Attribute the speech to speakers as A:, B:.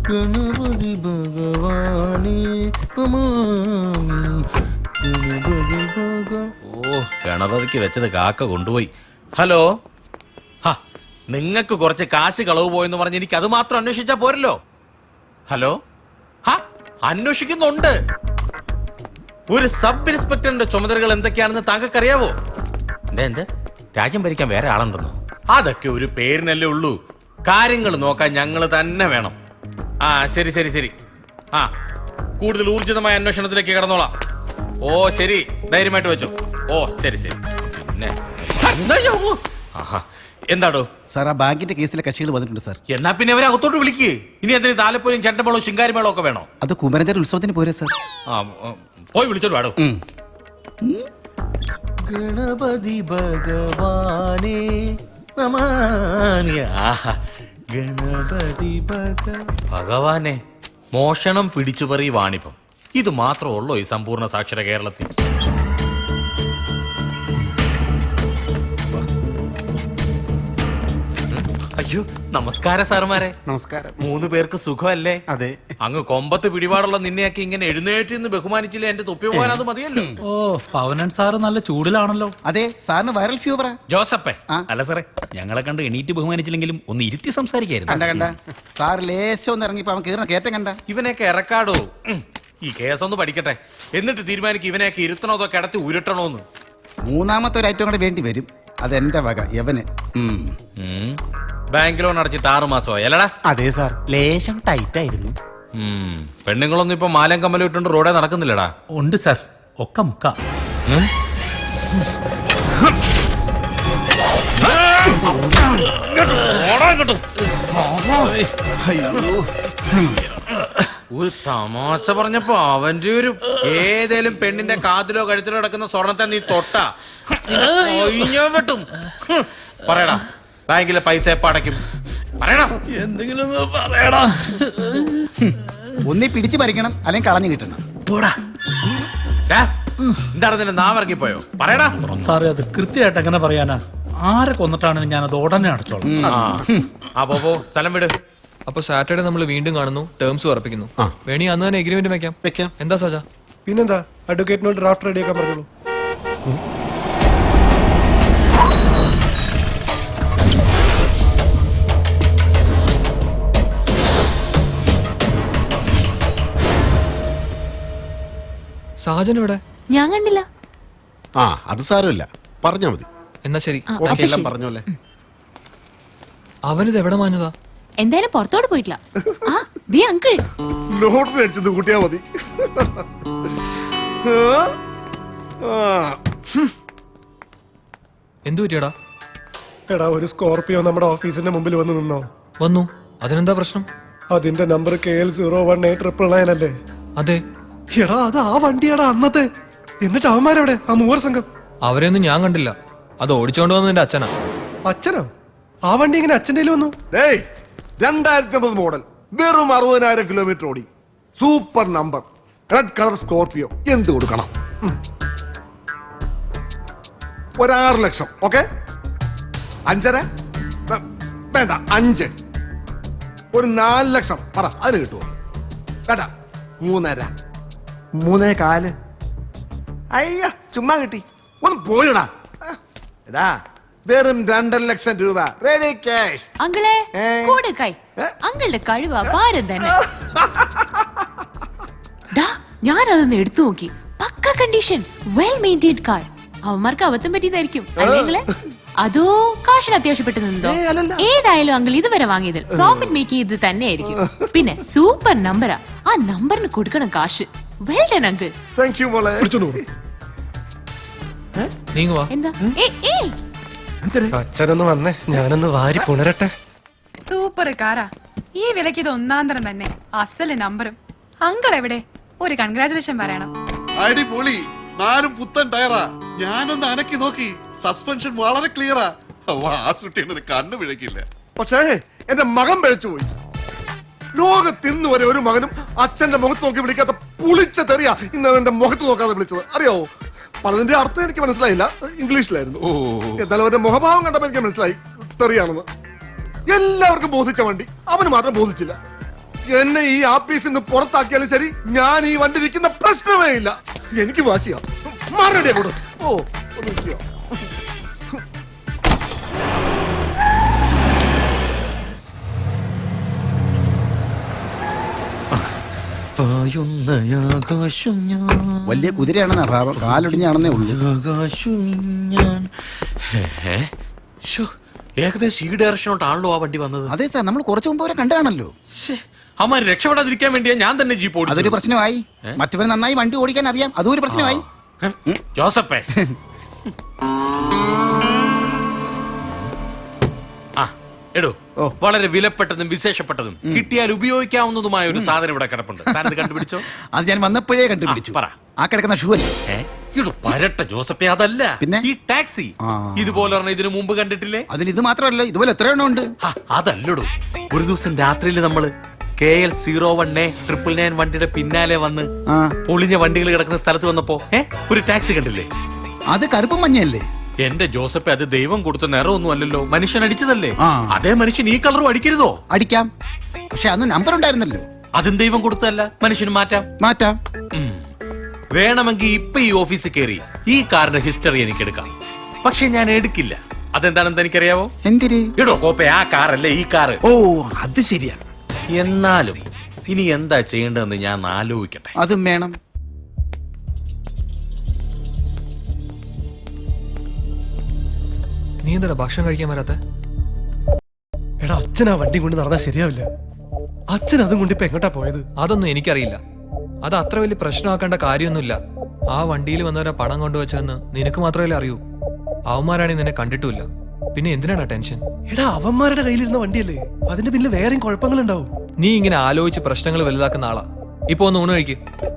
A: ഗണപതി ഭഗവാനേ നമാമി. ഗണപതി
B: ഓ, ഗണപതിക്ക് വെച്ചത് കാക്ക കൊണ്ടുപോയി. ഹലോ, നിങ്ങൾക്ക് കുറച്ച് കാശ് കളവ് പോയെന്ന് പറഞ്ഞ് എനിക്ക് അത് മാത്രം അന്വേഷിച്ചാ പോരല്ലോ. ഹലോ, അന്വേഷിക്കുന്നുണ്ട്. ഒരു സബ് ഇൻസ്പെക്ടറിന്റെ ചുമതലകൾ എന്തൊക്കെയാണെന്ന് താങ്കൾക്കറിയാവോ? എന്ത് രാജ്യം ഭരിക്കാൻ വേറെ ആളുണ്ടെന്നോ? അതൊക്കെ ഒരു പേരിനല്ലേ ഉള്ളൂ. കാര്യങ്ങൾ നോക്കാൻ ഞങ്ങൾ തന്നെ വേണം. ശരി ശരി ശരി. കൂടുതൽ ഊർജിതമായ അന്വേഷണത്തിലേക്ക് കടന്നോളാം. ഓ ശരി, ധൈര്യമായിട്ട് വെച്ചു. ഓ ശരി ശരി. പിന്നെ എന്താടോ
C: സാർ, ആ ബാങ്കിന്റെ കേസിലെ കക്ഷികൾ വന്നിട്ടുണ്ട് സാർ.
B: എന്നാ പിന്നെ അവരെ അകത്തോട്ട് വിളിക്ക്. ഇനി എന്തിന് താലപ്പൊലിയും ചെണ്ടമേളവും ശിങ്കാരിമേളവും ഒക്കെ വേണോ?
C: അത് കുമരഞ്ചേരി ഉത്സവത്തിന് പോരെ സാർ.
B: പോയി വിളിച്ചോളൂ വാടോ.
A: ഗണപതി ഭഗവാനേ നമാമി. ഗണപതി
B: ഭഗവാനെ, മോഷണം പിടിച്ചുപറി വാണിഭം, ഇത് മാത്രമുള്ളോ ഈ സമ്പൂർണ്ണ സാക്ഷര കേരളത്തിൽ? അയ്യോ, നമസ്കാരം സാറുമാരെ.
C: നമസ്കാരം.
B: 3 പേർക്ക് സുഖമല്ലേ?
C: അതെ.
B: അങ്ങ് കൊമ്പത്ത് പിടിപാടുള്ള നിന്നെയൊക്കെ ഇങ്ങനെ എഴുന്നേറ്റ് നിന്ന് ബഹുമാനിച്ചില്ല. എന്റെ തൊപ്പി പോകാൻ അത് മതിയല്ലോ.
D: ഓ, പവനൻ സാറ് നല്ല ചൂടിലാണല്ലോ.
C: അതെ, സാറിന് വൈറൽ ഫീവറാ.
B: ജോസപ്പേ,
D: അല്ല സാറേ, ഞങ്ങളെ കണ്ട് എണീറ്റ് ബഹുമാനിച്ചില്ലെങ്കിലും ഒന്ന് ഇരുത്തി സംസാരിക്കായിരുന്നു.
C: കണ്ട സാർ ലേശം ഒന്ന് ഇറങ്ങിപ്പോ അവൻ കീറുന്ന കയറ്റം കണ്ട.
B: ഇവനെയൊക്കെ ഇറക്കാടോ. ഈ കേസൊന്ന് പഠിക്കട്ടെ, എന്നിട്ട് തീരുമാനിക്കും ഇവനെയൊക്കെ ഇരുത്തണോ അതോ കിടത്തി ഉരുട്ടണോന്ന്.
C: 3ാമത്തെ ഒരു ഐറ്റം കൂടെ വേണ്ടി വരും. അതെന്റെ വക യവന്.
B: ബാങ്ക് ലോൺ അടച്ചിട്ട് 6 മാസമായി അല്ലടാ?
C: അതെ സാർ, ലേശം ടൈറ്റ് ആയിരുന്നു.
B: പെണ്ണുങ്ങളൊന്നും ഇപ്പൊ മാലം കമ്മലും ഇട്ടുണ്ട് റോഡേ നടക്കുന്നില്ലടാ.
D: ഉണ്ട് സാർ, ഒക്കെ മുക്ക.
B: ഒരു തമാശ പറഞ്ഞപ്പോ അവന്റെ ഒരു ഏതേലും പെണ്ണിന്റെ കാതിലോ കഴുത്തിലോ കിടക്കുന്ന സ്വർണത്തെ നീ തൊട്ടാ വെട്ടും. പറയടാ, ബാങ്കിലെ പൈസ എപ്പ അടയ്ക്കും? പറയടാ,
D: എന്തെങ്കിലും പറയടാ.
C: ഒന്നി പിടിച്ചു പറിക്കണം, അല്ലെങ്കിൽ കളഞ്ഞു കിട്ടണം.
B: എന്താണ് നിന്റെ നാവിറങ്ങിപ്പോയോ? പറയടാ.
D: സാറേ, അത് കൃത്യമായിട്ട് എങ്ങനെ പറയാനാ? ആരെ കൊന്നിട്ടാണെന്ന് ഞാനത് ഉടനെ അടച്ചോളാം.
B: പോ സ്ഥലം വിട്.
E: അപ്പൊ സാറ്റർഡേ നമ്മൾ വീണ്ടും കാണുന്നു, ടേംസ് ഉറപ്പിക്കുന്നു. വേണി അന്ന് തന്നെ എഗ്രിമെന്റ് വെക്കാം. എന്താ സജ?
F: പിന്നെന്താ, അഡ്വക്കേറ്റിനോട് ഡ്രാഫ്റ്റ് റെഡിയാക്കാൻ പറഞ്ഞോളൂ.
E: സാജൻ ഇവിടെ?
G: ഞാൻ കണ്ടില്ല.
H: അത് സാരമില്ല, പറഞ്ഞാ മതി.
E: എന്നാ ശരി,
H: എല്ലാം പറഞ്ഞോല്ലേ.
E: അവനിത് എവിടെ മാഞ്ഞതാ?
G: എന്തായാലും പുറത്തോട്ട് പോയിട്ടില്ല. അങ്കിൾ
H: ലോട്ടറി അടിച്ചത് കൂട്ടിയാ മതി.
E: എന്തു പറ്റിയടാ?
F: എടാ, ഒരു സ്കോർപിയോ നമ്മുടെ ഓഫീസിന്റെ മുമ്പിൽ വന്ന് നിന്നോ?
E: വന്നു. അതിനെന്താ പ്രശ്നം?
F: അതിന്റെ നമ്പർ KL018999 അല്ലേ?
E: അതെ.
F: എടാ, അത് ആ വണ്ടിയാടാ അന്നത്തെ. എന്നിട്ട് അവന്മാരെവിടെ? ആ 3 സംഘം.
E: അവരെയൊന്നും ഞാൻ കണ്ടില്ല. അത് ഓടിച്ചോണ്ട് വന്നത് എന്റെ അച്ഛനാ.
F: അച്ഛനോ? ആ വണ്ടി ഇങ്ങനെ അച്ഛൻ്റെ വന്നു?
H: 2009 മോഡൽ, വെറും 60,000 കിലോമീറ്റർ ഓടി, super number, red colour Scorpio. എന്ത് കൊടുക്കണം? 6 ലക്ഷം. ഓക്കെ, 5.5 വേണ്ട, 5. ഒരു 4 ലക്ഷം പറ, അതിന് കിട്ടുമോ? കേട്ടാ, 3.5, 3.4. അയ്യ, ചുമ്മാ കിട്ടി. ഒന്ന് പോയിടാ. എടാ, വെറും 2.5 ലക്ഷം രൂപ റെഡി ക്യാഷ്.
G: അങ്കിളെ കൂടെ കൈ. അങ്കിളുടെ കഴിവ് അപാരം തന്നെ. ഞാനതൊന്ന് എടുത്തു നോക്കി. Pucca condition, well maintained car. അവന്മാർക്ക് അബദ്ധം പറ്റിയതായിരിക്കും അല്ലെങ്കില്, അതോ കാശിന് അത്യാവശ്യപ്പെട്ടു നിന്നോ? ഏതായാലും അങ്കിൾ ഇതുവരെ വാങ്ങിയതിൽ പ്രോഫിറ്റ് മേക്ക് ചെയ്ത് തന്നെയായിരിക്കും. പിന്നെ സൂപ്പർ നമ്പറാ. ആ നമ്പറിന് കൊടുക്കണം കാശ്. Well done uncle.
H: Thank you മോളെ.
G: എന്താ?
F: അച്ഛനൊന്ന് വന്നേ, ഞാനൊന്ന് വാരി പുണരട്ടെ.
I: സൂപ്പർ കാറാ. ഈ വിലക്ക് ഇത് 1-ാം തരം തന്നെ. അസല് നമ്പറും. അങ്കിൾ എവിടെ? ഒരു കൺഗ്രാചുലേഷൻ പറയണം.
J: അടിപൊളി. 4 പുത്തൻ ടയറാ. ഞാനൊന്ന് അനക്കി നോക്കി, സസ്പെൻഷൻ വളരെ ക്ലിയറാ. വാസുട്ടിന് കണ്ണു പിഴക്കില്ല.
H: പക്ഷേ എന്റെ മകൻ പിഴച്ചു പോയി. ലോകത്തിന്ന് വരെ ഒരു മകനും അച്ഛന്റെ മുഖത്ത് നോക്കി വിളിക്കാത്ത പുളിച്ച തെറിയാ ഇന്ന് എന്റെ മുഖത്ത് നോക്കാതെ വിളിച്ചത്. അറിയാവോ? പലതിന്റെ അർത്ഥം എനിക്ക് മനസ്സിലായില്ല, ഇംഗ്ലീഷിലായിരുന്നു. എന്നാലും അവന്റെ മുഖഭാവം കണ്ടപ്പോ എനിക്ക് മനസ്സിലായി തെറിയാണെന്ന്. എല്ലാവർക്കും ബോധിച്ച വണ്ടി അവന് മാത്രം ബോധിച്ചില്ല. എന്നെ ഈ ആഫീസിൽ നിന്ന് പുറത്താക്കിയാലും ശരി ഞാൻ ഈ വണ്ടി ഇരിക്കുന്ന പ്രശ്നമേ ഇല്ല. എനിക്ക് വാശിയാ. മാറണ്ടേ കൂടെ. ഓ ഒന്ന് നിൽക്കുക.
A: പായുന്നയാകാശം ഞാൻ
C: വലിയ കുതിരയാണെന്നാ ഭാവം, കാലൊടിഞ്ഞാണെന്നേ ഉള്ളൂ.
A: ആകാശം ഞാൻ
B: ഏകദേശം ഈ ഡയറക്ഷനോട്ടാണല്ലോ ആ വണ്ടി വന്നത്.
C: അതെ സാർ, നമ്മൾ കുറച്ചു മുമ്പ് വരെ കണ്ടാണല്ലോ.
B: അമ്മ രക്ഷപ്പെടാതിരിക്കാൻ വേണ്ടിയാ ഞാൻ തന്നെ ജീപ്പ്
C: അതൊരു
B: ഓടിച്ചത്.
C: പ്രശ്നമായി. മറ്റവന് നന്നായി വണ്ടി ഓടിക്കാൻ അറിയാം, അതും ഒരു പ്രശ്നമായി.
B: ജോസപ്പേ ആ എടോ, വളരെ വിലപ്പെട്ടതും വിശേഷപ്പെട്ടതും കിട്ടിയാൽ ഉപയോഗിക്കാവുന്നതുമായ ഒരു സാധനം ഇവിടെ കിടപ്പുണ്ട്. താനത് കണ്ടുപിടിച്ചോ?
C: അത് ഞാൻ വന്നപ്പോഴേ കണ്ടുപിടിച്ചു.
B: പറ.
C: ആ കിടക്കുന്ന ഷൂ അല്ലേ?
B: ഇടോ പരട്ട ജോസപ്പേ, അതല്ല.
C: പിന്നെ?
B: ഈ ടാക്സി ഇതുപോലെ ഒരെണ്ണം ഇതിനു മുമ്പ് കണ്ടിട്ടില്ലേ?
C: അതിന് ഇത് മാത്രമല്ല, ഇതുപോലെ എത്ര എണ്ണം ഉണ്ട്.
B: അതല്ലടോ, ഒരു ദിവസം രാത്രിയിൽ നമ്മള് KL01A999 വണ്ടിയുടെ പിന്നാലെ വന്ന് പൊളിഞ്ഞ വണ്ടികൾ കിടക്കുന്ന സ്ഥലത്ത് വന്നപ്പോ ഒരു ടാക്സി കണ്ടില്ലേ?
C: അത് കറുപ്പും മഞ്ഞയല്ലേ?
B: എന്റെ ജോസഫ്, അത് ദൈവം കൊടുത്ത നിറമൊന്നും അല്ലല്ലോ, മനുഷ്യൻ അടിച്ചതല്ലേ. അതേ മനുഷ്യൻ ഈ കളറും അടിക്കരുതോ?
C: അടിക്കാം, പക്ഷെ അന്ന് നമ്പർ ഉണ്ടായിരുന്നല്ലോ.
B: അതും ദൈവം കൊടുത്തല്ല, മനുഷ്യന് മാറ്റാം. വേണമെങ്കിൽ ഇപ്പൊ ഈ ഓഫീസിൽ കയറി ഈ കാറിന്റെ ഹിസ്റ്ററി എനിക്ക് എടുക്കാം. പക്ഷെ ഞാൻ എടുക്കില്ല. അതെന്താണെന്ന് എനിക്കറിയാവോ?
C: എന്തിര്?
B: ഇടോ കോപ്പെ, ആ കാറല്ലേ ഈ കാറ്.
C: ഓ, അത് ശരിയാണ്.
B: എന്നാലും ഇനി എന്താ ചെയ്യേണ്ടതെന്ന് ഞാൻ ആലോചിക്കട്ടെ.
C: അതും വേണം.
E: നീ എന്താ ഭക്ഷണം കഴിക്കാൻ വരാത്ത?
F: എടാ, അച്ഛൻ ആ വണ്ടി കൊണ്ട് നടന്നാൽ ശരിയാവില്ല. അച്ഛൻ അതും കൊണ്ട് ഇപ്പൊ എങ്ങോട്ടാ പോയത്?
E: അതൊന്നും എനിക്കറിയില്ല. അത് അത്ര വലിയ പ്രശ്നമാക്കേണ്ട കാര്യമൊന്നുമില്ല. ആ വണ്ടിയിൽ വന്നവരെ പണം കൊണ്ടുവച്ചെന്ന് നിനക്ക് മാത്രമല്ലേ അറിയൂ. അവന്മാരാണെങ്കിൽ നിന്നെ കണ്ടിട്ടുമില്ല. പിന്നെ എന്തിനാടാ ടെൻഷൻ?
F: എടാ, അവന്മാരുടെ കയ്യിലിരുന്ന വണ്ടിയല്ലേ, അതിന്റെ പിന്നിൽ വേറെയും കുഴപ്പങ്ങളുണ്ടാവും.
E: നീ ഇങ്ങനെ ആലോചിച്ച് പ്രശ്നങ്ങൾ വലുതാക്കുന്ന ആളാ. ഇപ്പൊ ഒന്ന് ഊണ് കഴിക്ക്.